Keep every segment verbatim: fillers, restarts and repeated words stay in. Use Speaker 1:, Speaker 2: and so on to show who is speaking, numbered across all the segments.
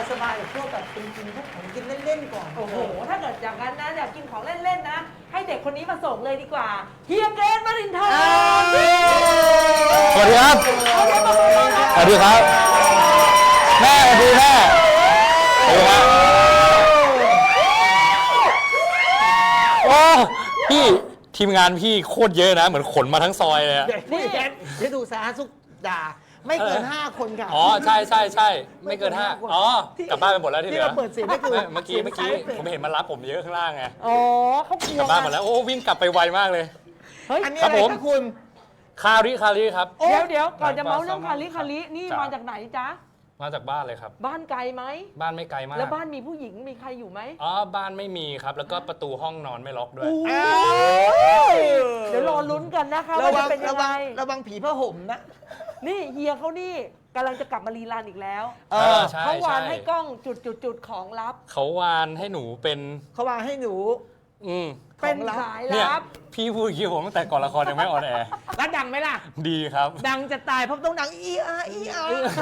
Speaker 1: สบายๆกับพวกแบบกินกินพวกของกินเล่นๆก่อน
Speaker 2: โอ้โหถ้าเกิดอย่างนั้นนะอยากกินของเล่นๆนะให้เด็กคนนี้มาส่งเลยดีกว่าเฮียเกรซ วรินทร์
Speaker 3: สวัสดีครับสวัสดีครับแม่สวัสดีแม่สวัสดีครับโอ้พี่ทีมงานพี่โคตรเยอะนะเหมือนขนมาทั้งซอยเลย
Speaker 1: นี่แกเดี๋ยวดูสาธารณสุขด่าไม่เกินห้าคนค่ะ
Speaker 3: อ๋อใช่ใช่ใช่ไม่เกินห้าอ๋อกลับบ้านไปหมดแล้วที่เหลือ
Speaker 1: ที่เราเปิดเสียงก็คือ
Speaker 3: เมื่อกี้เมื่อกี้ผมเห็นมันรับผมเยอะข้างล่างไง
Speaker 2: อ๋อเขากลัว
Speaker 3: กลับบ้านหมดแล้วโอ้วิ่งกลับไปไวมากเลย
Speaker 2: เฮ้ย
Speaker 1: อันนี้
Speaker 3: ครั
Speaker 1: อะ
Speaker 3: บ
Speaker 1: ไร
Speaker 3: ผม
Speaker 1: คะคุณ
Speaker 3: คาริคาริครับ
Speaker 2: เดี๋ยวเดี๋ยวก่อนจะ
Speaker 3: หนังปลา
Speaker 2: เมาเรื่อง
Speaker 3: แซลมอน
Speaker 2: คาริคารินี่
Speaker 3: จ้ะ
Speaker 2: มาจากไหนจ๊ะ
Speaker 3: มาจากบ้านเลยครับ
Speaker 2: บ้านไกลไหม
Speaker 3: บ้านไม่ไกลมาก
Speaker 2: แล้วบ้านมีผู้หญิงมีใครอยู่ไหม
Speaker 3: อ๋อบ้านไม่มีครับ แล้วก็ประตูห้องนอนไม่ล็อกด้วย
Speaker 1: อ้าว
Speaker 2: เดี๋ยวรอลุ้นกันนะคะ
Speaker 1: ระ
Speaker 2: ว่า
Speaker 1: วั
Speaker 2: จะ
Speaker 1: ง
Speaker 2: เป็นยั
Speaker 1: ระ
Speaker 2: งไง
Speaker 1: วังระวังผีผ้าห่มนะ
Speaker 2: นี่เฮียเขานี่กำลังจะกลับมารีรันอีกแล้ว
Speaker 1: เอ
Speaker 3: เอ
Speaker 1: อ
Speaker 3: อใช่
Speaker 2: เขาวาน
Speaker 3: ใช่
Speaker 2: ให้กล้องจุดจุดจุดของลับ
Speaker 3: เขาวานให้หนูเป็น
Speaker 1: เขาวางให้หนู
Speaker 3: อืม
Speaker 2: เป็น
Speaker 1: ของลับ
Speaker 2: สาย
Speaker 3: เนี่ย
Speaker 2: ลับ
Speaker 3: พี่พูดคิวผมตั้งแต่ก่อนละครยังไม่ออนแอร์
Speaker 1: แล้วดังไหมล่ะ
Speaker 3: ดีครับ
Speaker 1: ดังจะตายเพราะต้องดังอีอาอีอา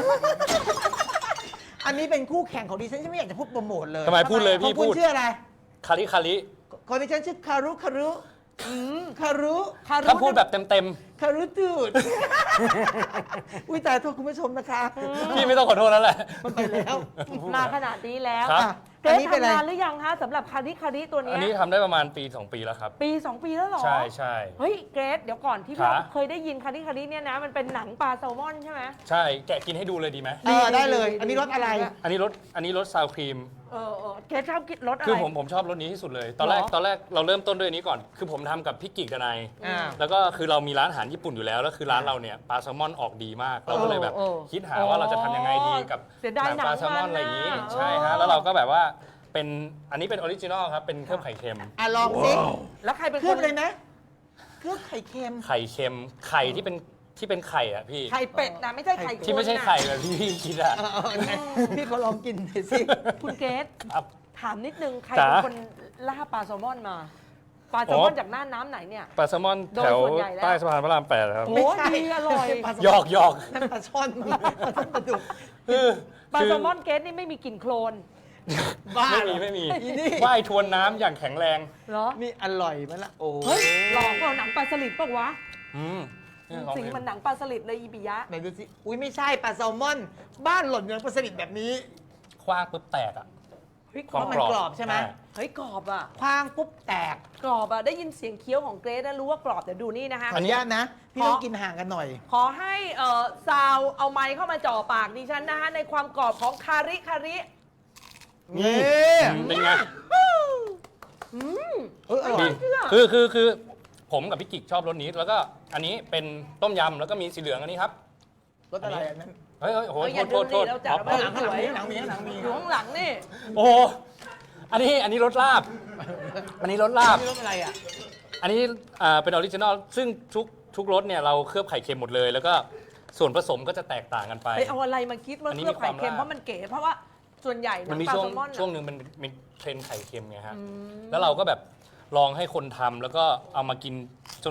Speaker 1: อันนี้เป็นคู่แข่งของดิฉันฉันไม่อยากจะพูดโปรโมทเลย
Speaker 3: ทำไมพูดเลยพี่
Speaker 1: ของคุณ
Speaker 3: พูด
Speaker 1: ชื่ออะไร
Speaker 3: คาริคาริ
Speaker 1: ของดิฉันชื่อคารุคารุคารุ
Speaker 2: คารุ
Speaker 3: ถ้าพูดแบบเต็ม
Speaker 1: คารุตูดอุ้ยตายโทษคุณผู้ชมนะคะ
Speaker 3: ๆ พี่ไม่ต้องขอโทษแล้วแหละ
Speaker 1: มันไปแล้ว
Speaker 2: มาขนาดนี้แล้ว
Speaker 3: ครับ
Speaker 1: อ่ะ
Speaker 2: เกร
Speaker 1: อัน
Speaker 2: ซ
Speaker 1: นี้เป็นอะไร
Speaker 2: ทำงานหรือยังคะสำหรับคาริคาริตัวเนี้
Speaker 3: อัน
Speaker 2: ย
Speaker 3: นี้ทำได้ประมาณปีสองปีแล้วครับ
Speaker 2: ปีสองปีแล้วเหรอ
Speaker 3: ใช่ใช่
Speaker 2: เฮ้ยเกรซเดี๋ยวก่อนที่
Speaker 3: ครั
Speaker 2: เรา
Speaker 3: บ
Speaker 2: เคยได้ยินคาริคาริเนี่ยนะมันเป็นหนังปลาแซลมอนใช่ไหม
Speaker 3: ใช่แกะกินให้ดูเลยดีไหม
Speaker 1: เออได้เลย อันนี้รสอะไร
Speaker 3: อันนี้รสอันนี้รสซาวครีม
Speaker 2: เออเออเกรซชอบกินรสอะไร
Speaker 3: คือผมผมชอบรสนี้ที่สุดเลย ตอนแรก
Speaker 2: หรอ
Speaker 3: ตอนแรกเราเริ่มต้นด้วยอันนี้ก่อน คือผมทำกับพี่กิกดนาย
Speaker 1: อ่า
Speaker 3: แล้วก็คือเรามีร้านอาหารญี่ปุ่นอยู่แล้ว แล้วคือร้านเราเนี่ยปลาแซลมอนออกดีมาก เราก็เลยแบบ
Speaker 2: เออเออ
Speaker 3: คิดหาว่าเราจะทำยังไงดีกับ
Speaker 2: เสียดาย
Speaker 3: หนังปลาแซลมอน
Speaker 2: หนังมัน
Speaker 3: อะไรอย่างนี้
Speaker 2: น่ะ
Speaker 3: ใช่ฮะ
Speaker 2: เออ
Speaker 3: แล้วเราก็แบบว่าเป็นอันนี้เป็นออริจินอลครับ เป็นเครื่องไข่เค็ม
Speaker 1: อ่ะลองสิ
Speaker 2: แล้วใครเป็น
Speaker 1: เค
Speaker 2: ค
Speaker 1: ลือน บเลยไหมเคลือบไข่เค็ม
Speaker 3: ไข่เค็ม ไข่ที่เป็นที่เป็นไข่อะพี่
Speaker 2: ไข่เป็ดนะไม่ใช่ไข่คน
Speaker 3: ที่ไม่ใช่ไข่แบบที่พี่คิดอะ
Speaker 1: เออเออไหนพี่เขาลองกินหน่อยสิ
Speaker 2: คุณเกรซ
Speaker 3: ครับ
Speaker 2: ถามนิดนึงใคร
Speaker 3: จ๋า
Speaker 2: เป็นคนล่าปลาแซลมอนมาปลาแซลมอนจากน่านน้ำไหนเนี่ย
Speaker 3: ปลาแซลมอน
Speaker 2: โดย
Speaker 3: แถว
Speaker 2: ส่วนใหญ่แล้ว
Speaker 3: ใต้สะพานพระรามแปดครับ
Speaker 2: โอ้
Speaker 1: ไม่ใช่
Speaker 2: ดีอร่อย
Speaker 1: ปลาส
Speaker 3: หยอกหยอก
Speaker 1: นั่นปลาช่อนปลาช่อนปลาดุก
Speaker 3: คือ
Speaker 2: ปลา
Speaker 3: คือ
Speaker 2: แซลมอนเกรซนี่ไม่มีกลิ่นโคลน
Speaker 1: บ้า
Speaker 3: ไม่
Speaker 1: เหร
Speaker 3: มี
Speaker 1: อ
Speaker 3: ไม่มี
Speaker 1: อีนี่
Speaker 3: ว่ายทวนน้ำอย่างแข็งแรง
Speaker 2: เหรอ
Speaker 1: นี่อร่อยไหมล่ะโอ้
Speaker 2: เฮ้ยลองเอาหนังปลาสลิดปะวะ
Speaker 3: อืมเนี่ยลอง
Speaker 2: สิ่ง
Speaker 3: ดู
Speaker 2: มันหนังปลาสลิดเลยอีปิยะ
Speaker 1: ไหนดูสิอุ้ยไม่ใช่ปลาแซลมอน บ้านหล่นยังปลาสลิดแบบนี้
Speaker 3: คว้างปุ๊บแตกอ่ะ
Speaker 2: เฮ้ย
Speaker 1: เพราะมันกรอบใช่ไหม
Speaker 2: เฮ้ยกรอบอ่ะ
Speaker 1: คว้างปุ๊บแตก
Speaker 2: กรอบอ่ะได้ยินเสียงเคี้ยวของเกรซนะรู้ว่ากรอบเดี๋ยวดูนี่นะคะ
Speaker 1: ขออนุญาตนะ พี่ต้องกินห่างกันหน่อย
Speaker 2: ขอให้เอ่อซาวเอาไม้เข้ามาจ่อปากดิฉันนะคะในความกรอบของคาริคาริ
Speaker 1: นี่
Speaker 3: เป็นไง
Speaker 2: อืม
Speaker 1: เอออร่อ
Speaker 3: ดี
Speaker 1: ย
Speaker 2: เชื่อ
Speaker 3: คือคือคือผมกับพี่กิกชอบรสนี้ แล้วก็อันนี้เป็นต้มยำแล้วก็มีสีเหลืองอันนี้ครับ
Speaker 1: รสอะไรอันนั้น
Speaker 3: เฮ้ยเฮ้ยโอ้โห
Speaker 2: เฮ้ยอย่า
Speaker 3: โทษโทษ
Speaker 2: ดูดิเราจัด
Speaker 3: อ๋อ
Speaker 2: เอาไว้
Speaker 1: หลังหลังมีหลังมีหลังมี
Speaker 2: อยู่ข้างหลังนี่
Speaker 3: โอ้โหอันนี้อันนี้รสลาบ อันนี้รสลาบ
Speaker 1: นี่รสอะไรอ่ะ
Speaker 3: อันนี้อ่าเป็นออริจินอลซึ่งทุกทุกรสเนี่ยเราเคลือบไข่เค็มหมดเลย แล้วก็ส่วนผสมก็จะแตกต่างกันไป
Speaker 2: ไปเอาอะไรมาคิดว่า
Speaker 3: อันนี้
Speaker 2: เคลือบไข่เค็ม
Speaker 3: มีความ
Speaker 2: เพราะมันเก๋เพราะว่าส่วนใหญ่
Speaker 3: มันมี
Speaker 2: ปลา
Speaker 3: ช่วง
Speaker 2: แซลมอน
Speaker 3: ช่วงหนึ่งมันมีเทรนด์ไข่เค็มไงฮะ แล้วเราก็แบบลองให้คนทำแล้วก็เอามากินจน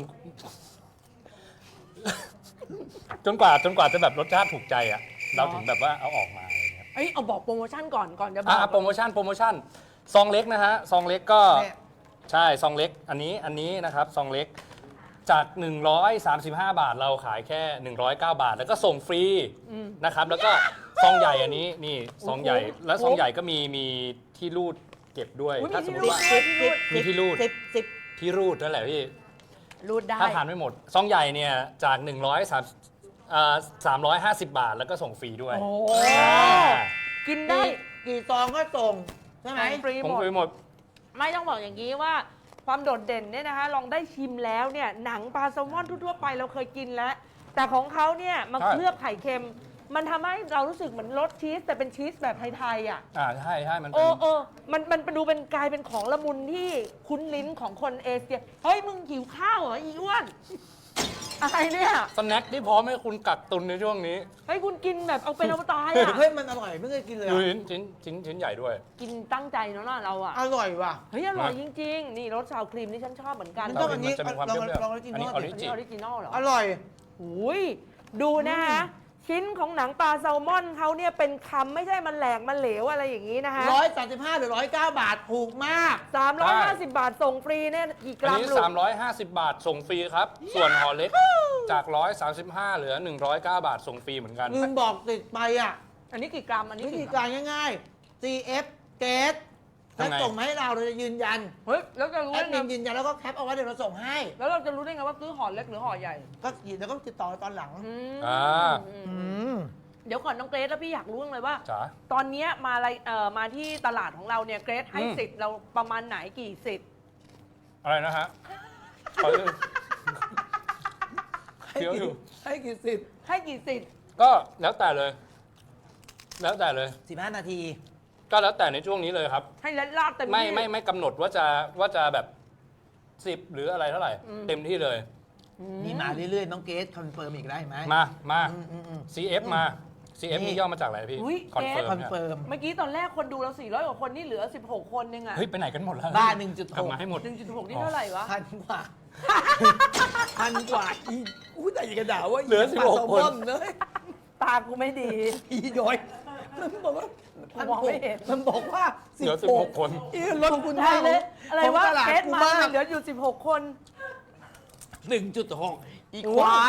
Speaker 3: จนกว่าจนกว่าจะแบบรสชาติถูกใจอ่ะ เราถึงแบบว่าเอาออกมาอะไรเงี้ย
Speaker 2: เอ้ยเอาบอกโปรโมชั่นก่อนก่อนจะบอ
Speaker 3: อ่ะ
Speaker 2: ก
Speaker 3: โปรโมชั่นโปรโมชั่นซองเล็กนะฮะซองเล็กก็
Speaker 1: เนี่ย
Speaker 3: ใช่ซองเล็กอันนี้อันนี้นะครับซองเล็กจากหนึ่งร้อยสามสิบห้าบาทเราขายแค่หนึ่งร้อยเก้าบาท แล้วก็ส่งฟรีนะครับแล้วก็ซองใหญ่อันนี้นี่ซองใหญ่และซองใหญ่ก็มีมีที่รูดเก็บด้วย
Speaker 2: อุ๊ย
Speaker 3: ถ้าส
Speaker 2: มี
Speaker 3: มม
Speaker 2: ที่
Speaker 3: ติ
Speaker 2: รูด
Speaker 3: ว่า
Speaker 2: ด้วย
Speaker 3: มีที่รูด
Speaker 1: สิบสิบ
Speaker 3: ที่รูดนั่นแหละพี่
Speaker 2: รูดได้
Speaker 3: ถ้าทานไม่หมด ซองใหญ่เนี่ยจากหนึ่งร้อยสามอ่าสามร้อยห้าสิบบาท แล้วก็ส่งฟรีด้วย
Speaker 2: โอ้
Speaker 3: อ่า
Speaker 2: กินได้
Speaker 1: กี่กี่ซองก็ส่งใช่ไหม
Speaker 2: ฟรี
Speaker 3: ผม
Speaker 2: หมด
Speaker 3: ฟรีหมด
Speaker 2: ไม่ต้องบอกอย่างนี้ว่าความโดดเด่นเนี่ยนะคะลองได้ชิมแล้วเนี่ยหนังปลาแซลมอนทั่วๆไปเราเคยกินแล้ว แต่ของเขาเนี่ยมา
Speaker 3: ใช่
Speaker 2: เคลือบไข่เค็ม มันทำให้เรารู้สึกเหมือนรสชีสแต่เป็นชีสแบบไทยๆอ่ะ
Speaker 3: อ่าใช่ใช่มัน
Speaker 2: เอ
Speaker 3: เป็น
Speaker 2: อเออมันมันดูเป็นกลายเป็นของละมุนที่คุ้นลิ้นของคนเอเชียเฮ้ยมึงหิวข้าวเหรออีอ้วนอะไรเนี่ย
Speaker 3: สแน็คที่พร้อมให้คุณกักตุนในช่วงนี้
Speaker 2: เฮ้ยคุณกินแบบเอาเป็นเอาตายอ่ะ
Speaker 1: เฮ้ยมันอร่อยไม่เคยกินเลย
Speaker 3: ดู
Speaker 1: อะ
Speaker 3: ชิ้นชิ้นชิ้นชิ้นใหญ่ด้วย
Speaker 2: กินตั้งใจเนาะเราอ่ะ
Speaker 1: อร่อยว่ะ
Speaker 2: เฮ้ยอร่อยจริงๆนี่รสซาวครีมนี่ฉันชอบเหมือนกัน
Speaker 1: มันต้องอันนี้
Speaker 3: มันจะมีความ
Speaker 1: ลอง
Speaker 3: เปรี้ยวๆ
Speaker 1: ลองออริจินอล
Speaker 3: อันนี้
Speaker 2: อันนี้ออริจินอลเหรอ
Speaker 1: อร่อย
Speaker 2: หุยดูนะคะชิ้นของหนังปลาแซลมอนเขาเนี่ยเป็นคำไม่ใช่มันแหลกมันเหลวอะไรอย่างนี้นะคะ
Speaker 1: ร้อยสามสิบห้าหรือร้อยเก้าบาทถูกมาก
Speaker 2: สามร้อยห้าสิบบาทส่งฟรีเนี่ยกี่ก
Speaker 3: อัน
Speaker 2: รัม
Speaker 3: นี้
Speaker 2: ลูก
Speaker 3: สามร้อยห้าสิบบาทส่งฟรีครับ ส่วนห่อเล็กจาก หนึ่งร้อยสามสิบห้า เหลือ หนึ่งร้อยเก้า บาทส่งฟรีเหมือนกัน
Speaker 1: ลืมบอกติดไปอ่ะ
Speaker 2: อันนี้กี่กรัมอันนี้
Speaker 1: วิธี
Speaker 2: กี่ก
Speaker 1: กา
Speaker 2: รัม
Speaker 1: รง่ายๆ ซี เอฟ เกตแล้ว
Speaker 3: ทำไง
Speaker 1: ส่งมาให้เราเราจะยืนยัน
Speaker 2: เฮ้ยแล้วจะรู้
Speaker 1: แอ
Speaker 2: ได้
Speaker 1: ดมิ
Speaker 2: ไง
Speaker 1: นยืนยันแล้วก็แคปเอาไว้เดี๋ยวเราส่งให้
Speaker 2: แล้วเราจะรู้ได้ไงว่าซื้อห่อเล็กหรือห่อใหญ่
Speaker 1: ก็เดี๋ยวก็ติดต่อตอนหลัง
Speaker 2: อืม
Speaker 3: อ่า
Speaker 2: อืม
Speaker 1: อืม
Speaker 2: เดี๋ยวก่อนน้องเกรซแล้วพี่อยากรู้เลยว่า
Speaker 3: จ๋า
Speaker 2: ตอนเนี้ยมาอะไรเอ่อมาที่ตลาดของเราเนี่ยเกรซให้
Speaker 3: อืม
Speaker 2: สิทธิ์เราประมาณไหนกี่สิทธิ์
Speaker 3: อะไรนะฮะขอดูเดี๋ยวอยู่
Speaker 1: ให้กี่สิบ
Speaker 2: ให้กี่สิทธิ์
Speaker 3: ก็แล้วแต่เลย แล้วแต่เลย
Speaker 1: สิบห้านาที
Speaker 3: ก็แล้วแต่ในช่วงนี้เลยครับ
Speaker 2: ให้เล็ดลาดเต็มที่
Speaker 3: ไม่ไม่ไม่กำหนดว่าจะว่าจะแบบสิบหรืออะไรเท่าไหร่
Speaker 2: อืม
Speaker 3: เต็มที่เลย
Speaker 1: มีมาเรื่อยๆ น้องเกตคอนเฟิร์มอีกได้ไหม
Speaker 3: มามา
Speaker 1: อืมอืมอืม
Speaker 3: ซี เอฟ มา ซี เอฟ
Speaker 1: นี่
Speaker 3: นี่ย่อมาจากอะไรพี่
Speaker 2: อุ๊ย
Speaker 3: คอนเฟิร์ม
Speaker 1: คอน
Speaker 3: เนี่ย
Speaker 1: เฟิร์ม
Speaker 2: เมื่อกี้ตอนแรกคนดูเราสี่ร้อยกว่าคนนี่เหลือสิบหกคนนึงอะ
Speaker 3: เฮ้ย ไปไหนกันหมดแล้ว
Speaker 1: บ้าหนึ่งจุด
Speaker 3: กลั
Speaker 1: ห
Speaker 3: บ
Speaker 1: ก
Speaker 3: มาให้หมด
Speaker 2: หนึ่งจุดหกนี่เท่าไหร่วะ
Speaker 1: พันกว่าพันกว่าอีอู้แต่อย่ากระด่าว่า
Speaker 3: เหลือสิบหก
Speaker 1: ปลาแซล
Speaker 3: คน
Speaker 1: มอนเลย
Speaker 2: ตากูไม่ดี
Speaker 1: อีย้อยมันบอกว่า
Speaker 2: กูมองไม่เห็น
Speaker 1: มันบอกว่า
Speaker 3: เหลือสิบหกคน
Speaker 1: อีรถคุณ
Speaker 2: ใช่เลยอะไรวะ
Speaker 1: ตลาด
Speaker 2: เกรซ
Speaker 1: กู
Speaker 2: มา
Speaker 1: มาก
Speaker 2: เหลืออยู่สิบหกคน
Speaker 1: หนึ่งจุดหกอีควาย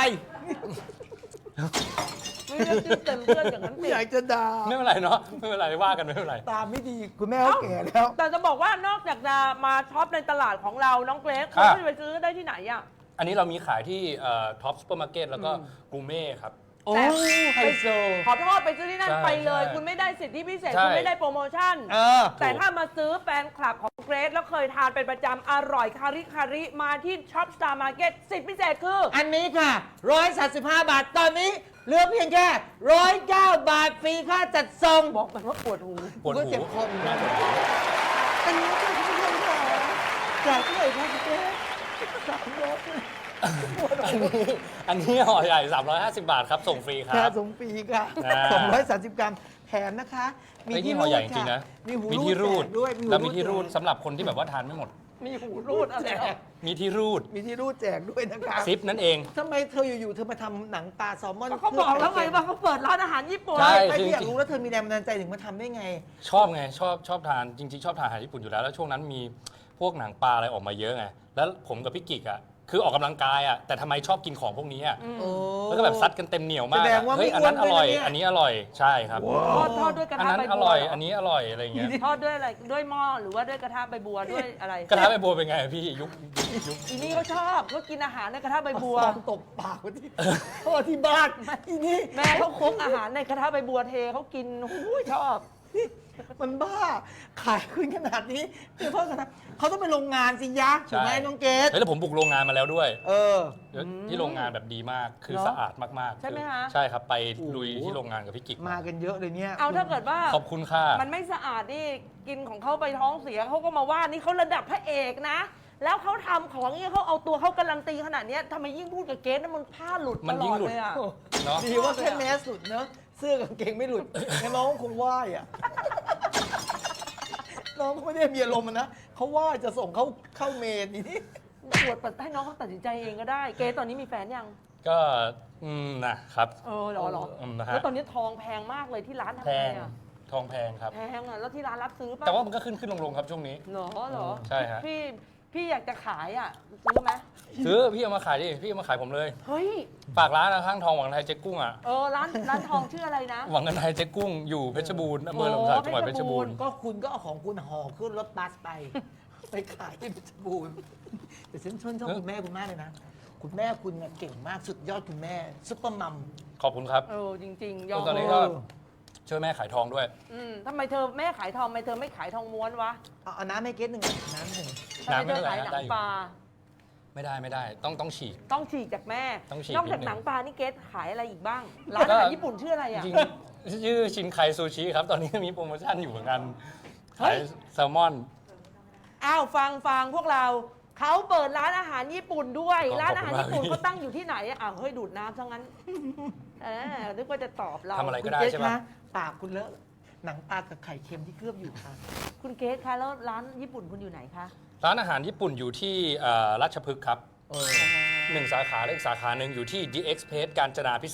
Speaker 2: ไม่เลือกชื่อเต็มเพื่อนอย่างนั้นสิ
Speaker 1: อยากจะด่า
Speaker 3: ไม่เป็นไรเนาะ ไม่เป็นไรว่ากันไม่เป็นไร
Speaker 1: ตาไม่ดีคุณแม่เขาแก่แล้ว
Speaker 2: แต่จะบอกว่านอกจากจะมาช็อปในตลาดของเราน้องเกรซ
Speaker 3: อ่ะ
Speaker 2: เขาจะไปซื้อได้ที่ไหนอ่ะ
Speaker 3: อันนี้เรามีขายที่ท็อปซูเปอร์มาร์เก็ตแล้วก็กูเม่ครับ
Speaker 1: โอ้
Speaker 2: แต่
Speaker 1: ไฮโซ
Speaker 2: ขอโทษไปซื้อที่นั่น
Speaker 3: ใช่
Speaker 2: ไปเลย
Speaker 3: ใช่
Speaker 2: คุณไม่ได้สิทธิพิเศษ
Speaker 3: ใช่
Speaker 2: คุณไม่ได้โปรโมชั่น
Speaker 1: เออ
Speaker 2: แต่ถ้ามาซื้อแฟนคลับของเกรซแล้วเคยทานเป็นประจำอร่อยคาริคาริมาที่ช็อปสตาร์มาร์เก็ตสิทธิพิเศษคือ
Speaker 1: อันนี้ค่ะร้อยสามสิบห้าบาท ตอนนี้เหลือเพียงแค่ร้อยเก้าบาท ฟรีค่าจัดส่ง
Speaker 2: บอกมันว่าปวดหู
Speaker 3: ปวด
Speaker 1: ก็
Speaker 3: หู
Speaker 1: เจ็บคออยู่นะอันนี้ค่ะคุณผู้ชมค่ะจากที่ไหนคะคุณเจ๊สามร้อย
Speaker 3: อันนี้อันนี้ห่อใหญ่ สามร้อยห้าสิบบาทครับ ส่งฟรีค
Speaker 1: แค่
Speaker 3: รับ
Speaker 1: ส่งฟรีค่ะ
Speaker 3: อ่า
Speaker 1: สองร้อยสามสิบกรัมแถมนะคะ
Speaker 3: ไอ้ที่ห่อใหญ่จริงๆนะ
Speaker 1: มีหู
Speaker 3: มีที่รูด
Speaker 1: แจกด้วยหู
Speaker 3: แล้วมีที่รูด
Speaker 1: แจก
Speaker 3: สำหรับคนที่แบบว่าทานไม่หมด
Speaker 2: มีหูรูดอะไร
Speaker 1: แจ
Speaker 2: อ่ะ
Speaker 1: ก
Speaker 3: มีที่รูด
Speaker 1: มีที่รูดแจกด้วยนะคะ
Speaker 3: ซิปนั่นเอง
Speaker 1: ทำไมเธออยู่ๆเธอมาทำหนังปลาแซลมอน
Speaker 2: ก็เขาบอกแล้วไงว่าเขาเปิดร้านอาหารญี่ปุ่น
Speaker 3: ใช่
Speaker 1: ไอ้
Speaker 3: คือ
Speaker 1: ที่อยาก
Speaker 3: จริง
Speaker 1: รู้แล้วเธอมีแรงบันดาลใจถึงมาทำได้ไง
Speaker 3: ชอบไงชอบชอบทานจริงๆ ชอบทานอาหารญี่ปุ่นอยู่แล้ว แล้วช่วงนั้นมีพวกหนังปลาอะไรออกมาเยอะไง แล้วผมกับพี่กิกอ่ะคือออกกำลังกายอ่ะแต่ทำไมชอบกินของพวกนี้อ่ะ
Speaker 2: อืม
Speaker 1: โอ้
Speaker 3: แล้วก็แบบซัดกันเต็มเหนียวมาก
Speaker 1: แสด
Speaker 3: อะ
Speaker 1: งว่า
Speaker 3: เฮ้ย
Speaker 1: ไม่
Speaker 3: อันนั้น
Speaker 1: อ้
Speaker 3: อ
Speaker 1: วนด้วย
Speaker 3: ร่อย
Speaker 1: นะเนี่ย
Speaker 3: อันนี้อร่อยใช่ครับ
Speaker 2: ทอดทอดด้วยกระ
Speaker 3: อัน
Speaker 2: ทะ
Speaker 3: นั้น
Speaker 2: ใบ
Speaker 3: อ
Speaker 2: บัว
Speaker 3: ร่อย
Speaker 2: เห
Speaker 3: อันนี้อร่อยอะไรอย่างเงี้ย
Speaker 2: ทอดด้วยอะไรด้วยหม้อหรือว่าด้วยกระทะใบบัวด้วยอะไร
Speaker 3: กระทะใบบัวเป็นไงพี่ยุคยุคยุค
Speaker 2: อีนี่เขาชอบเขากินอาหารในกระทะใบบัว
Speaker 1: ฟองตบปากไว้ที่พ่อที่บ้านอีนี่
Speaker 2: แม่เขาคลุกอาหารในกระทะใบบัวเทเขากินหูยชอบ
Speaker 1: มันบ้า ขายขึ้นขนาดนี้เดี๋ยวพ่อกันนะเขาต้องไปโรงงานสิยะถูกไหมน้องเกด
Speaker 3: เฮ้ยแล้วผมบุกโรงงานมาแล้วด้วย
Speaker 1: เออ
Speaker 3: ที่โรงงานแบบดีมากคือ
Speaker 2: เหรอ
Speaker 3: สะอาดมากๆ
Speaker 2: ใช่ไหม
Speaker 3: อ
Speaker 2: คะ
Speaker 3: ใช่ครับไปลุย
Speaker 1: โอ้โห
Speaker 3: ที่โรงงานกับพี่กิก
Speaker 1: มากันเยอะเลยเนี่ย
Speaker 2: เอาถ้าเกิดว่า
Speaker 3: ขอบคุณค่ะ
Speaker 2: มันไม่สะอาดนี่กินของเขาไปท้องเสียเขาก็มาว่านี่เขาระดับพระเอกนะ แล้วเขาทำของเนี่ยเขาเอาตัวเขาการันตีขนาดเนี้ยทำไมยิ่งพูดกับเกสนั้นมันผ้าหลุด
Speaker 3: มั
Speaker 2: ต
Speaker 3: น
Speaker 2: ล
Speaker 3: ยิ่
Speaker 2: อง ด
Speaker 3: หลุด
Speaker 2: เลยอะ
Speaker 1: โอ้
Speaker 3: เนาะ
Speaker 1: ดีว่าแค่แมสสุดเนอะเสื้อกับกางเกงไม่หลุดงั้นน้องคงไหว้อะน้องเขาไม่ได้มีอารมณ์อะนะเขาไหว้จะส่งเขาเข้าเมนนี่
Speaker 2: ปวดปัดให้น้องเขาตัดสินใจเองก็ได้ เกสตอนนี้มีแฟนยัง
Speaker 3: ก็อืมนะครับ
Speaker 2: เออเหรอเหรอ
Speaker 3: อืมนะฮะ
Speaker 2: แล้วตอนนี้ทองแพงมากเลยที่ร้านทำ
Speaker 3: แพ
Speaker 2: ไง
Speaker 3: ง
Speaker 2: อะ
Speaker 3: ทองแพงครับ
Speaker 2: แพงอะแล้วที่ร้านรับซื้อป่ะ
Speaker 3: แต่ว่ามันก็ขึ้นขึ้นลงลงครับช่วงนี้
Speaker 2: เหรอเหรอ
Speaker 3: ใช่ฮะ
Speaker 2: พี่พี่อยากจะขายอ่ะซื้อไหม
Speaker 3: ซื้อพี่เอามาขายดิพี่เอามาขายผมเลย
Speaker 2: เฮ้ย
Speaker 3: ฝากร้านนะข้างทองหวังไทยเจ๊กุ้งอ่ะ
Speaker 2: เออร้านร้านทองชื่ออะไรนะ
Speaker 3: หวังกันไทยเจ๊กุ้งอยู่เพชรบูรณ์อำเภอหลมสักจังหวัดเพชรบูรณ์
Speaker 1: ก็คุณก็เอาของคุณห่อขึ้นรถบัสไป ไปขายที่เพชรบูรณ์แต่ฉันชื่นชอบคุณแม่คุณมากเลยนะ คุณแม่คุณน่ะเก่งมากสุดยอดคุณแม่ซุปเปอร์มัม
Speaker 3: ขอบคุณครับ
Speaker 2: เออจริงๆยอม
Speaker 3: ตอนนี้ก็ช่วยแม่ขายทองด้วย
Speaker 2: อืมทำไมเธอแม่ขายทองทำไมเธอไม่ขายทองม้วนวะ
Speaker 1: เอาเอาน้ำให้เกตหนึ่งน้ำหนึ่ง
Speaker 2: ทำไม
Speaker 3: น้ำไม่
Speaker 2: เธอ
Speaker 3: เป็นไร
Speaker 2: ขายห
Speaker 3: นะ
Speaker 2: นั
Speaker 3: ได้
Speaker 2: ง
Speaker 3: อยู่
Speaker 2: ปลา
Speaker 3: ไม่ได้ไม่ได้ต้องต้องฉีก
Speaker 2: ต้องฉีกจากแม่
Speaker 3: ต้องฉีก
Speaker 2: นอกจาก
Speaker 3: นิดนึง
Speaker 2: หนังปลานี่เกสขายอะไรอีกบ้าง ร้านอาหารญี่ปุ่นชื่ออะไร
Speaker 3: จ
Speaker 2: อ่ะ
Speaker 3: ริงๆชื่อชินไคซูชิครับ ตอนนี้มีโปรโมชั่นอยู่เหมือนกัน
Speaker 2: เฮ้
Speaker 3: ขาย
Speaker 2: ย
Speaker 3: แซลมอน
Speaker 2: อ้าวฟังฟังพวกเราเขาเปิดร้านอาหารญี่ปุ่นด้วย
Speaker 3: ขอบ
Speaker 2: ร้านอาหารญี่ปุ่น
Speaker 3: ขอบคุณมาก
Speaker 2: เขาตั้งอยู่ที่ไหนอะอ้าวเฮ้ยดูดน้ำซะงั้นเออนึกว่าจะตอบเรา
Speaker 3: ทำอะไร
Speaker 1: คุณ
Speaker 3: ก็ได้
Speaker 1: เกต
Speaker 3: ใช่
Speaker 1: คะ
Speaker 3: ปะ
Speaker 1: ปากคุณเลอะหนังปลากับไข่เค็มที่เคลือบอยู่ค่ะ
Speaker 2: คุณเกสคะแล้วร้านญี่ปุ่นคุณอยู่ไหนคะ
Speaker 3: ร้านอาหารญี่ปุ่นอยู่ที่เอ่อราชพฤกษ์ครับ
Speaker 1: เออ
Speaker 3: หนึ่งสาขาและอีกสาขาหนึ่งอยู่ที่ The Express กาญจนาพิเศษก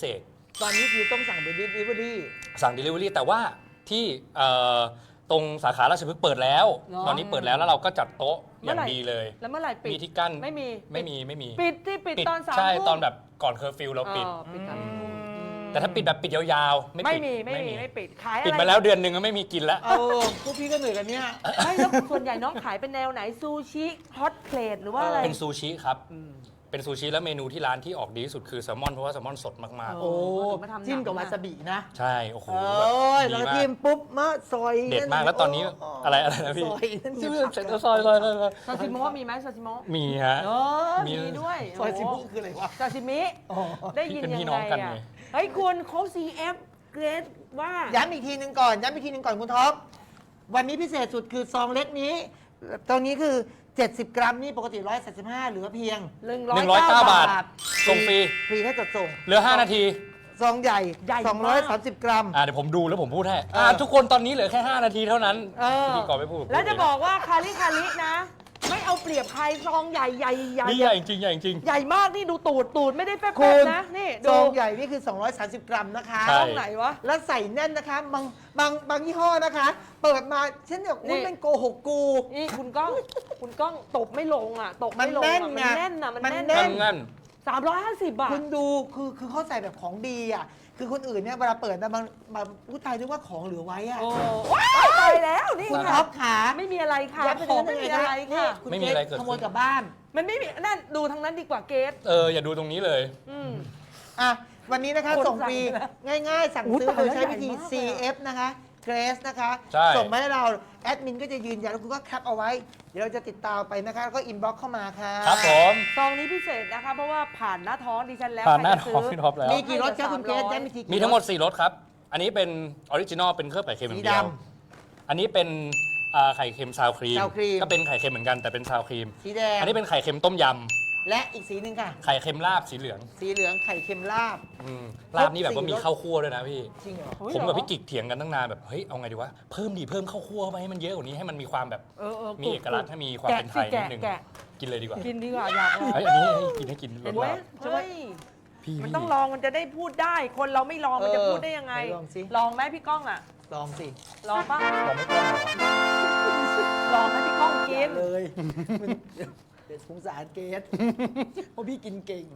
Speaker 1: ตอนนี้คือต้องสั่งเป็น delivery
Speaker 3: สั่ง Delivery แต่ว่าที่เอ่อตรงสาขาราชพฤกษ์เปิดแล้ว
Speaker 2: เหรอ
Speaker 3: ตอนนี้เปิดแล้วแล้วเราก็จัดโต๊ะอ
Speaker 2: เมื่อย่าง ไหร่
Speaker 3: ดีเลย
Speaker 2: แล้วเมื่อไหร่ปิด
Speaker 3: มีที่กั้น
Speaker 2: ไม่มี
Speaker 3: ไม่มีไม่มี
Speaker 2: ปิดที่ปิดตอนสาม
Speaker 3: ใช่
Speaker 2: ทุ่ม
Speaker 3: ตอนแบบก่อนเคอร์ฟิวเราปิด
Speaker 2: อ๋อปิดสามทุ่ม
Speaker 3: แต่ถ้าปิดแบบปิดยาวๆ ไม่
Speaker 2: ไม่
Speaker 3: ปิด
Speaker 2: มีไม่มีไม่ปิดขายอะไร
Speaker 3: ปิดมาแล้วเดือนหนึ่งก็ไม่มีกินแล้ว
Speaker 1: เอาพวกพี่ก็เหนื่อยกันเนี่ย
Speaker 2: ไม่แล้วส่วนใหญ่น้องขายเป็นแนวไหนซูชิฮอตเพลทหรือว่าอะไร
Speaker 3: เป็นซูชิครับ เป็นซูชิแล้วเมนูที่ร้านที่ออกดีที่สุดคือแซลมอนเพราะว่าแซลมอนสดมาก
Speaker 2: เอ
Speaker 1: โอ้
Speaker 2: ถึงมาทำหนัง
Speaker 1: จิ้มกับ
Speaker 2: นะ
Speaker 1: วาซาบินะ
Speaker 3: ๆ ใช่โอ้โห
Speaker 1: โอ้
Speaker 3: แบบ
Speaker 1: ย
Speaker 3: ดี
Speaker 1: แล้ว
Speaker 3: มาก
Speaker 1: จิ้มปุ๊บมะซอย
Speaker 3: เด็ดมากแล้วตอนนี้อะไรอะไรนะพี่
Speaker 1: ซอยนั่น
Speaker 3: ชื่อ
Speaker 1: ผัก
Speaker 3: เซ็นซอยซอยซอยซอย
Speaker 2: ซาซิโมะมีไหมซาซิโมะ
Speaker 3: มีฮะ
Speaker 2: เออ
Speaker 3: มี
Speaker 2: มีด้วย
Speaker 1: ซอยซิ
Speaker 2: โโห
Speaker 1: บุคืออะไรวะ
Speaker 2: ซาซิมิ
Speaker 1: อ๋อ
Speaker 2: ได้ยิน
Speaker 3: เป็น
Speaker 2: ยัง
Speaker 3: พี่
Speaker 2: ไง
Speaker 3: น้องกัน
Speaker 2: อ่ะ
Speaker 3: ไง
Speaker 2: เฮ้ยคุณเขา ซี เอฟ เกรดว่า
Speaker 1: ย้ำอีกทีหนึ่งก่อนย้ำอีกทีหนึ่งก่อนคุณท็อปวันนี้พิเศษสุดคือซองเล็กนี้ตรงนี้คือ เจ็ดสิบ กรัมนี่ปกติหนึ่งร้อยสามสิบห้าเหลือเพียง
Speaker 2: หนึ่ง
Speaker 3: หนึ่งร้อยเก้า
Speaker 2: บา
Speaker 3: บา
Speaker 2: ท
Speaker 3: ท ส่งฟรี
Speaker 1: ฟรีถ้าจดส่ง
Speaker 3: เหลือ ห้า นาที
Speaker 1: ซองใหญ่
Speaker 2: ใหญ่มาก
Speaker 1: สองร้อยสามสิบ กรัม
Speaker 3: อ่าเดี๋ยวผมดูแล้วผมพูดให้
Speaker 1: เอออ่
Speaker 3: อ่าทุกคนตอนนี้เหลือแค่ ห้า นาทีเท่านั้น
Speaker 2: เออ
Speaker 3: พิธีกรไม่พูด
Speaker 2: แล้วจะบอกว่าคาริคารินะ ไม่เอาเปรียบใครซองใหญ่ใหญ่ใหญ่
Speaker 3: นี่ใหญ่จริงใหญ่จริง
Speaker 2: ใหญ่มากนี่ดูตูดตูดไม่ได้แป๊บ
Speaker 1: คุณ
Speaker 2: ๆนะ นี่
Speaker 1: ซ
Speaker 2: ดู
Speaker 1: องใหญ่นี่คือ สองร้อยสามสิบ กรัมนะคะ
Speaker 3: ใช่
Speaker 2: ซองไหนวะ
Speaker 1: แล้วใส่แน่นนะคะ บางบางบางยี่ห้อนะคะ เปิดมาเช่นแบบอุ้ย
Speaker 2: นี่
Speaker 1: มันโกหกกู
Speaker 2: นี่คุณก้องคุณก้องตบไม่ลงอ่ะตบ
Speaker 1: มัน
Speaker 2: ไม่ลง
Speaker 1: แน่น
Speaker 2: อ่ะ
Speaker 1: ไง
Speaker 2: มันแน่นอ่ะมัน
Speaker 1: มัน
Speaker 2: แน่น
Speaker 1: แน่
Speaker 3: งั้นงั้น
Speaker 2: สามร้อยห้าสิบบาท
Speaker 1: คุณดูคือคือเขาใส่แบบของดีอ่ะ คือคนอื่นเนี่ยเวลาเปิดนะบางบางผู้ตายนึกว่าของเหลือไว้อ่ะ
Speaker 2: โอ้ว้ายตายแล้วนี่
Speaker 1: คุณ
Speaker 2: ค่ะ
Speaker 1: ท็อปขา
Speaker 2: ไม่มีอะไรค่ะ
Speaker 1: ยัดป
Speaker 2: ของ
Speaker 1: ใน
Speaker 2: ไม่มี
Speaker 1: นั้น
Speaker 2: อะไร
Speaker 1: นี่
Speaker 2: ค่ะ
Speaker 1: คุณ
Speaker 3: ไม่มีอะไรเกิด
Speaker 1: ข
Speaker 3: ขึ้น
Speaker 1: โมยกลับบ้าน
Speaker 2: มันไม่มีนั่นดูทางนั้นดีกว่าเกส
Speaker 3: เอออย่าดูตรงนี้เลย
Speaker 2: อืม
Speaker 1: อ่ะ วันนี้นะคะ
Speaker 2: คน
Speaker 1: ส่งฟรี
Speaker 2: สั่งไปแล้ว
Speaker 1: ง่ายๆ สั่ง
Speaker 2: อุ๊ย
Speaker 1: ซื้อ
Speaker 2: ตาย
Speaker 1: โดย
Speaker 2: แล้ว
Speaker 1: ใช้วิธี
Speaker 2: ใหญ่มากเลยอะ
Speaker 1: ซี เอฟ นะคะเกรสนะคะ
Speaker 3: ใช่
Speaker 1: ส่งมาให้เรา แอดมินก็จะยืนยันแล้วคุณก็แคปเอาไว้ เดี๋ยวเราจะติดตามไปนะคะ แล้วก็อินบ็อกเข้ามาค่ะ
Speaker 3: ครับผม
Speaker 2: ซองนี้พิเศษนะคะ เพราะว่าผ่านหน้าท้องดิฉันแล้ว
Speaker 3: ผ่านหน้า
Speaker 2: ใครจะ
Speaker 3: ท้อง
Speaker 2: ซื้
Speaker 3: พี่ท็อปแล้ว
Speaker 1: มีกี่รสครับคุณเกรส
Speaker 2: สามร้อย
Speaker 1: ได้มีทีกี่
Speaker 3: มีทั้งหมด
Speaker 1: รส
Speaker 3: สี่รสครับ อันนี้เป็นออริจินอลเป็นเครื่องไข่เค็มอ
Speaker 1: สี
Speaker 3: ย่างเดียว
Speaker 1: ด
Speaker 3: อันนี้เป็นอ่าไข่เค็มซาวครีม
Speaker 1: ซาวครีม
Speaker 3: ก็เป็นไข่เค็มเหมือนกันแต่เป็นซาวครีม
Speaker 1: สีแดง
Speaker 3: อันนี้เป็นไข่เค็มต้มย
Speaker 1: และอีกสีหนึ่งค่ะ
Speaker 3: ำ ไข่เค็มลาบสีเหลือง
Speaker 1: สีเหลืองไข่เค็มลาบ
Speaker 3: อืมลาบนี่แบบว่ามีข้าวคั่วด้วยนะพี่
Speaker 1: จริงเหรอ
Speaker 2: เฮ้ย
Speaker 3: ผมกับ
Speaker 2: เหรอ
Speaker 3: พี่กิกเถียงกันตั้งนานแบบ เฮ้ย เอาไงดีวะ เพิ่มดีเพิ่มข้าวคั่วไปให้มันเยอะกว่านี้ให้มันมีความแบบ
Speaker 2: เออเออ
Speaker 3: มีเอกลักษณ์ให้มีความ
Speaker 2: แกะ
Speaker 3: เป็นไท
Speaker 2: สิ
Speaker 3: ยนิ
Speaker 2: แกะ
Speaker 3: ดนึง
Speaker 2: แกะ
Speaker 3: กินเลยดีกว่า
Speaker 2: กินดีกว่าอยากลอง
Speaker 3: เฮ้ย อันนี้ให้กินให้กินร
Speaker 2: เห็
Speaker 3: ส
Speaker 2: นไหม
Speaker 3: ลาบ
Speaker 2: เฮ้ย
Speaker 3: พี่
Speaker 2: มัน
Speaker 3: พี่
Speaker 2: ต้องลองมันจะได้พูดได้ คนเราไม่ลองมันจะพูดได้ยังไง
Speaker 1: เออลองสิ
Speaker 2: ลองไหมพี่ก้องอ่ะ
Speaker 1: ลองสิ
Speaker 2: ลองป่ะ
Speaker 3: บอกไม่ต้องเหรอ
Speaker 2: ลองให้พี่ก้องกิน
Speaker 1: เลยมันเดี๋ยวเดี๋ยวสงสารเกรสเพราะพี่กินเก่ง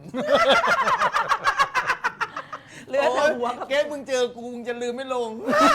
Speaker 2: เหลือแต่หัวกับ
Speaker 1: เกรสมึงเจอกูมึงจะลืมไม่ลง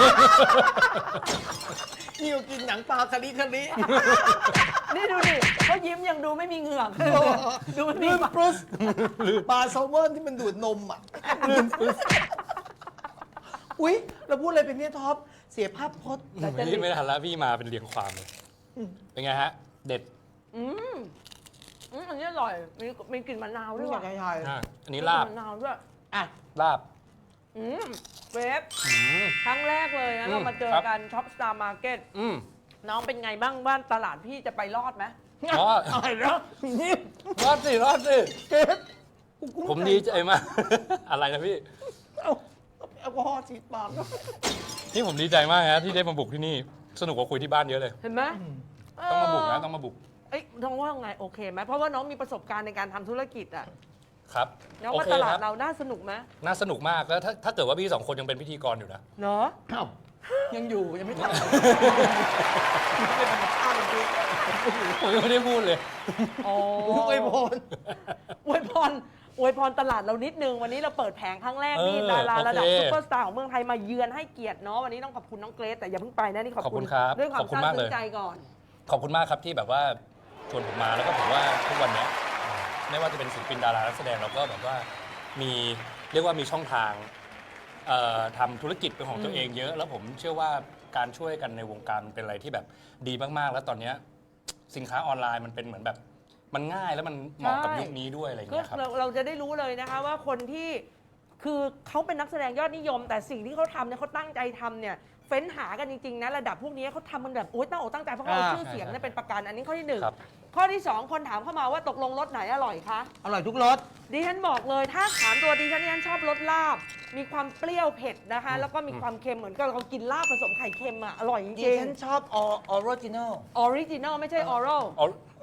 Speaker 1: นี่กูกินหนังปลาคาริคาริ
Speaker 2: นี่ดูดิเขายิ้มยังดูไม่มีเหงือกดูไม่มี
Speaker 1: ลืม
Speaker 2: ปาก
Speaker 1: ปรุสปลาแซลมอนที่มันดูดนมอ่ะลืมปรุสอุ๊ย เราพูดอะไรเป็นเนี่ยท็อป เสียภาพพจน์
Speaker 3: ไม่ได้ไม่ทันแล้วพี่มาเป็นเรียงความเลยเป็นไงฮะ เด็ด
Speaker 2: อืมอืมอันนี้อร่อย มีมีกลิ่นมะนาวด้
Speaker 1: ไม่
Speaker 2: วย
Speaker 1: อยา
Speaker 2: ว่ะ
Speaker 1: กให้ทาย
Speaker 3: อ่ะอัน
Speaker 2: มี
Speaker 3: นี้
Speaker 2: กลิ่
Speaker 3: ลาบ
Speaker 2: มะนาวด้วย
Speaker 1: อ่ะ
Speaker 3: ลาบ
Speaker 2: อืมเวฟ
Speaker 3: อืม
Speaker 2: ครั้งแรกเลยนะ
Speaker 3: อืม
Speaker 2: เรามาเจอ
Speaker 3: ครับ
Speaker 2: กันช็อปสตาร์มาร์เก็ต
Speaker 3: อืม
Speaker 2: น้องเป็นไงบ้างบ้านตลาดพี่จะไปรอดไหม
Speaker 3: อ๋อ
Speaker 1: อะไรนะนี่
Speaker 3: รอดสิรอดสิ
Speaker 1: เกรสกูกุ้ง
Speaker 3: ผมดีใจมาก อะไรนะพี่
Speaker 1: เอาแอลกอฮอล์ฉีดปาก
Speaker 3: นี่ผมดีใจมากนะที่ได้มาบุกที่นี่ สนุกกว่าคุยที่บ้านเยอะเลย
Speaker 2: เห็นไหม
Speaker 3: ต้องมาบุกนะ
Speaker 2: เ
Speaker 3: ต้องมาบุก
Speaker 2: เอ้ยน้องว่าไงโอเคไหมเพราะว่าน้องมีประสบการณ์ในการทำธุรกิจอ่ะ
Speaker 3: ครับ
Speaker 2: น้อง
Speaker 3: โอ
Speaker 2: ว่า
Speaker 3: เค
Speaker 2: ตลา
Speaker 3: ค
Speaker 2: ด
Speaker 3: รับ
Speaker 2: เราน่าสนุกไหม
Speaker 3: น่าสนุกมากแล้วถ้าถ้าเกิดว่าพี่สองคนยังเป็นพิธีกรอยู่นะ
Speaker 2: เนาะ
Speaker 1: อ้าวยังอยู่ยังไม่ทำอะไรเป็นธรรมชาติจริง
Speaker 3: ผมยังไม่ได้พูดเลย
Speaker 2: โอ้
Speaker 1: ๆอวยพร
Speaker 2: อวยพรอวยพรตลาดเรานิดนึงวันนี้เราเปิดแผงครั้งแรกนี่
Speaker 3: เออ
Speaker 2: ดาราระดับ
Speaker 3: โอเค
Speaker 2: ซุปเปอร์สตาร์ของเมืองไทยมาเยือนให้เกียรติเนาะวันนี้ต้องขอบคุณน้องเกรซแต่อย่าเพิ่งไปนะนี่ขอบ
Speaker 3: ขอบคุ
Speaker 2: คุณ
Speaker 3: ณครับ
Speaker 2: ด้วยความ
Speaker 3: ขอบคุณ
Speaker 2: ซาบ
Speaker 3: มากเลย
Speaker 2: ซึ้งใจก่อน
Speaker 3: ขอบคุณมากครับที่แบบว่าชวนผมมาแล้วก็ผมว่าทุกวันเนี้ยไม่ว่าจะเป็นศิลปินดารานักแสดงเราก็แบบว่ามีเรียกว่ามีช่องทางเอ่อทำธุรกิจเป็นของตัวเองเยอะ แล้วผมเชื่อว่าการช่วยกันในวงการมันเป็นอะไรที่แบบดีมากๆ แล้วตอนเนี้ยสินค้าออนไลน์มันเป็นเหมือนแบบมันง่ายแล้วมันเหมาะกับ
Speaker 2: ใช่
Speaker 3: ยุคนี้ด้วยอะไรอย่าง
Speaker 2: ก็
Speaker 3: เงี้ยครับ
Speaker 2: เราเราจะได้รู้เลยนะคะว่าคนที่คือเขาเป็นนักแสดงยอดนิยม แต่สิ่งที่เขาทำเนี่ยเขาตั้งใจทำเนี่ยเฟ้นหากันจริงๆนะระดับพวกนี้เขาทำมันแบบโอ๊ยตั้งอกตั้งใจเพราะเขาเอา
Speaker 1: อ่า
Speaker 2: ชื่อเสียงเนี่ยเป็นประกันอันนี้ข้อที่หนึ่ง
Speaker 3: ครับ
Speaker 2: ข้อที่สองคนถามเข้ามาว่าตกลงรสไหนอร่อยคะ
Speaker 1: อร่อยทุกรส
Speaker 2: ดิฉันบอกเลยถ้าถามตัวดิฉันดิฉันชอบรสลาบ มีความเปรี้ยวเผ็ดนะคะ แล้วก็มีความเค็มเหมือนกับเรากินลาบผสมไข่เค็มอ่ะอร่อยจ
Speaker 1: ดิ
Speaker 2: ริง
Speaker 1: ฉันชอบออริจินอล
Speaker 2: ๆออริจินอลไม่ใช่ออรัล
Speaker 3: เอา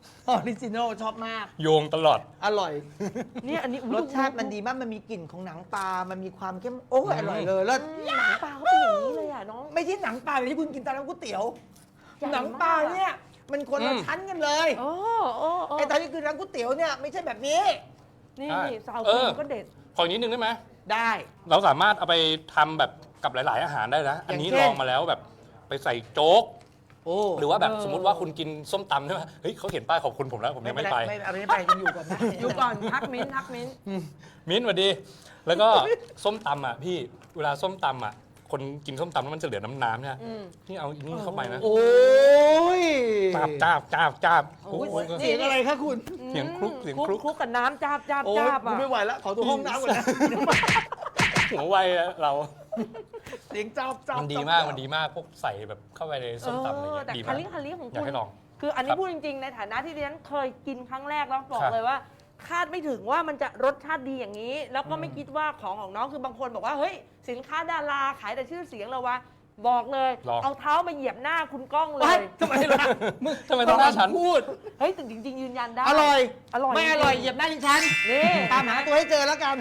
Speaker 1: ออริจินอลชอบมาก
Speaker 3: โยงตลอด
Speaker 1: อร่อย
Speaker 2: เนี่ยอันนี้อุ๊ย
Speaker 1: รสชาติมันดีมาก มันมีกลิ่นของหนังปลา มันมีความเข้ม โอ้ยอร่อยเลยแล้ว
Speaker 2: อืมหนังปลาเขาเป็นอย่างนี้เลยอ่ะน้อง
Speaker 1: ไม่ใช่หนังปลาเลยที่คุณกินตอนนั้นก๋วยเตี๋ยว
Speaker 2: ใหญ่มาก
Speaker 1: หนังปลาเนี่ยมันคนละ
Speaker 3: อืม
Speaker 1: ชั้นกันเลย
Speaker 2: โอ้โอ้โอ้
Speaker 1: ไอ้ตอนนี้คือร้านก๋วยเตี๋ยวเนี่ยไม่ใช่แบบนี้
Speaker 2: นี่
Speaker 3: ใช่
Speaker 2: นี่ซาว
Speaker 3: เอ
Speaker 2: ครี
Speaker 3: อ
Speaker 2: มก็เด็ด
Speaker 3: ขออีกนิดนึงได้ไหม
Speaker 1: ได้
Speaker 3: เราสามารถเอาไปทำแบบกับหลาย ๆ อาหารได้นะ อันนี้
Speaker 1: อย่างเช่
Speaker 3: ล
Speaker 1: น
Speaker 3: องมาแล้วแบบไปใส่โจ๊ก
Speaker 1: โอ้
Speaker 3: หรือว่าแบบ
Speaker 2: เออ
Speaker 3: สมมติว่าคุณกินส้มตำใช่ไหมเฮ้ยเขาเขียนป้ายขอบคุณผมแล้วผมยังไม่ไป
Speaker 1: ไม่เอาไม่ไปยังอยู่ก่อนนะ
Speaker 2: อยู่ก่อนทักมิ้นทักมิ้น
Speaker 3: มิ้นท์สวัสดี แล้วก็ส้มตำอ่ะพี่เวลาส้มตำอ่ะคนกินส้มตำแล้วมันจะเหลือน้ำน้ำๆเนี่ย
Speaker 2: อืม
Speaker 3: นี่เอานี่เข้าไปนะ
Speaker 1: โอ้ย
Speaker 3: จ้าบจ้าบจ้าบจ้าบ
Speaker 2: โอ้ย
Speaker 3: โอ้ย
Speaker 1: เสียงอะไรคะคุณ
Speaker 3: เสียงคลุกเสียงคลุก
Speaker 2: คลุกกับน้ำจ้าบจ้าบ
Speaker 1: โอ้ย
Speaker 2: จ้าบ
Speaker 1: กู
Speaker 2: อ่ะ
Speaker 1: ไม่ไหวแล้วขอตัวห้องน้ำก่อนนะ
Speaker 3: หัวไวอะเรา
Speaker 1: เสียงจ้าบจ้าบ
Speaker 3: มันดีมากมันดีมากพวกใส่แบบเข้าไปในส้มตำอะไร
Speaker 2: เออ
Speaker 3: เงี้ย
Speaker 2: แต่
Speaker 3: ดี
Speaker 2: คาม
Speaker 3: าก
Speaker 2: ริคาริของ
Speaker 3: อยาก
Speaker 2: คุณ
Speaker 3: ให้ลอง
Speaker 2: คืออันนี้
Speaker 3: ครับ
Speaker 2: พูดจริงๆ ในฐานะที่ดิฉันเคยกินครั้งแรกแล้วบอก
Speaker 3: ครับ
Speaker 2: เลยว่า คาดไม่ถึงว่ามันจะรสชาติดีอย่างนี้ แล้วก็ไม่คิดว่าของของน้องคือบางคนบอกว่าเฮ้ยสินค้าดาราขายแต่ชื่อเสียงเราวะบอกเลย
Speaker 3: ลอง
Speaker 2: เอาเท้ามาเหยียบหน้าคุณก้องเล
Speaker 1: เฮ้
Speaker 2: ย
Speaker 1: ยทำไมล่ะ
Speaker 3: ทำไมต้องหน้าฉัน
Speaker 1: พูด
Speaker 2: เฮ้ยแต่จริง ๆ ยืนยันได้
Speaker 1: อร่อย
Speaker 2: อร่อย
Speaker 1: ไม่อร่อยเหยียบหน้าดิฉัน
Speaker 2: นี่
Speaker 1: ตามหาตัวให้เจอแล้วกัน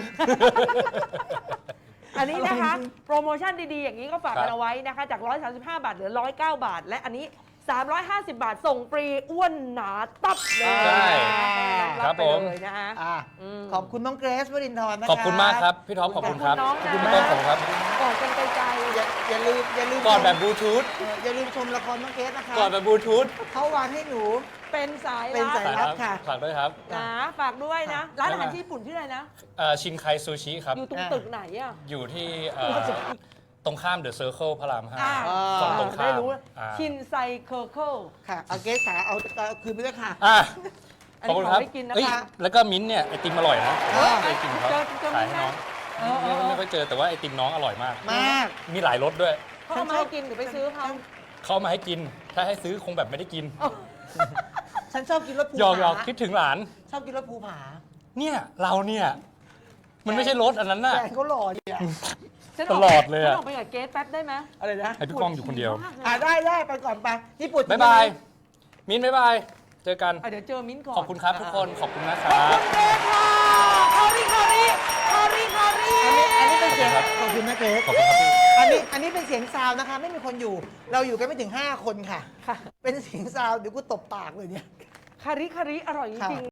Speaker 2: อันนี้นะคะ
Speaker 1: อร่อยจริง
Speaker 2: โปรโมชั่นดีๆ อย่างนี้ก็ฝาก
Speaker 3: ครั
Speaker 2: กับ นเอาไว้นะคะ จาก หนึ่งร้อยสามสิบห้า บาทเหลือ หนึ่งร้อยเก้า บาท และอันนี้ สามร้อยห้าสิบ บาทส่งฟรีอ้วนหนาตับเลย
Speaker 3: ใช่
Speaker 2: รับไป
Speaker 3: ครับผม
Speaker 2: เลยนะคะ
Speaker 1: อ่ะ
Speaker 2: อืม
Speaker 1: ขอบคุณน้องเกรซวรินทร์นะคะ
Speaker 3: ขอบคุณมากครับ พี่ท็อปขอบคุณครับ
Speaker 2: ขอบคุณน้องนะ
Speaker 3: พี่ต้นขอบคุณครับ
Speaker 2: กอดกันไกล
Speaker 1: อย่าอย่าลืมอย่าลืม
Speaker 3: กอดแบบบลูทูธ
Speaker 1: เอออย่าลืมชมละครน้องเกรซนะคะ
Speaker 3: กอดแบบบลูทูธ
Speaker 1: เขาวางให้หนู
Speaker 2: ๆเป็นสาย
Speaker 1: เป็น
Speaker 2: ลับ
Speaker 1: สาย รับค่ะ
Speaker 3: ฝากด้วยครับ
Speaker 2: นะฝากด้วยนะ ร้านอาหารญี่ปุ่นที่ออะไรนะ
Speaker 3: เอ่อชินไคซูชิครับ
Speaker 2: อยู่ตรง
Speaker 1: อ่า
Speaker 2: ตึกไหนอ่ะ
Speaker 3: อยู่ที่เอ่อตรงข้ามเดอะเซอร์เคิลพระรามห้า
Speaker 2: อ่า
Speaker 3: ฝั่งตรงข้าม
Speaker 2: ได้รู้
Speaker 3: อ่า
Speaker 2: ชินไซเคอร์เคิล
Speaker 1: ค่ะเอาเกรซขาเอาเอาคืนไปด้วยค่ะ
Speaker 3: อ่ะ
Speaker 2: อัน
Speaker 3: ขอบ
Speaker 2: นี้
Speaker 3: คุณ
Speaker 2: ข
Speaker 3: ค
Speaker 2: อ
Speaker 3: รับ
Speaker 2: ให้กินนะ
Speaker 3: เอ้ย
Speaker 2: คะ
Speaker 3: แล้วก็มิ้นท์เนี่ยไอติมอร่อยนะ
Speaker 1: เออ
Speaker 3: ไอติมเขา
Speaker 2: เจอเจอ
Speaker 3: ขาย
Speaker 2: มิ้นท์
Speaker 3: ให้น้อง
Speaker 2: ไหม เออเออ
Speaker 3: ไม่
Speaker 2: เออ
Speaker 3: ไม่ค่อยเจอแต่ว่าไอติมน้องอร่อยมาก
Speaker 1: มาก
Speaker 3: มีหลายรสด้วย
Speaker 2: เขาเอามาให้กินหรือไปซื้อเขา
Speaker 3: เขาเอามาให้กิน ถ้าให้ซื้อคงแบบไม่ได้กิน
Speaker 1: ฉันชอบกินรสภู
Speaker 3: หยอกหย
Speaker 1: ผา
Speaker 3: อกคิดถึงหลาน
Speaker 1: ชอบกินรสภูผา
Speaker 3: เนี่ยเราเนี่ย มันไม่ใช่รถอันนั้นน่ะ
Speaker 1: แฟนเขาหล่อดีอ่ะ
Speaker 2: ฉันก
Speaker 3: ตลอดเลยอะ
Speaker 2: ฉันออกไปกับเกสแป๊บได้ไหม
Speaker 1: อะไรนะ
Speaker 3: ให้พี่ก้องอยู่คนเดียว
Speaker 2: มากล
Speaker 1: อ่ะได้ได้ไปก่อนไปญี่ปุ่น
Speaker 3: บ๊ายบาย มิ้นท์บ๊ายบาย เจอกัน
Speaker 2: อ่ะเดี๋ยวเจอมิ้นท์ก่อน
Speaker 3: ขอบคุณครับทุกคน ขอบคุณนะค
Speaker 2: ขอบ
Speaker 3: รับ
Speaker 2: คุณเกสค่ะคาริคาริคาริคาริ
Speaker 1: อันนี้อันนี้เป็นเสียง
Speaker 3: ครับ
Speaker 1: ขอบคุณนะเกรซ
Speaker 3: ขอบคุณครับพี่
Speaker 1: อันนี้อันนี้เป็นเสียงซาวน์นะคะ ไม่มีคนอยู่ เราอยู่กันไม่ถึงห้าคนค่ะ
Speaker 2: ค่ะ
Speaker 1: เป็นเสียงซาวน์เดี๋ยวกูตบปากเลยเนี่ย
Speaker 2: คาริคาริอร่อยจริงๆ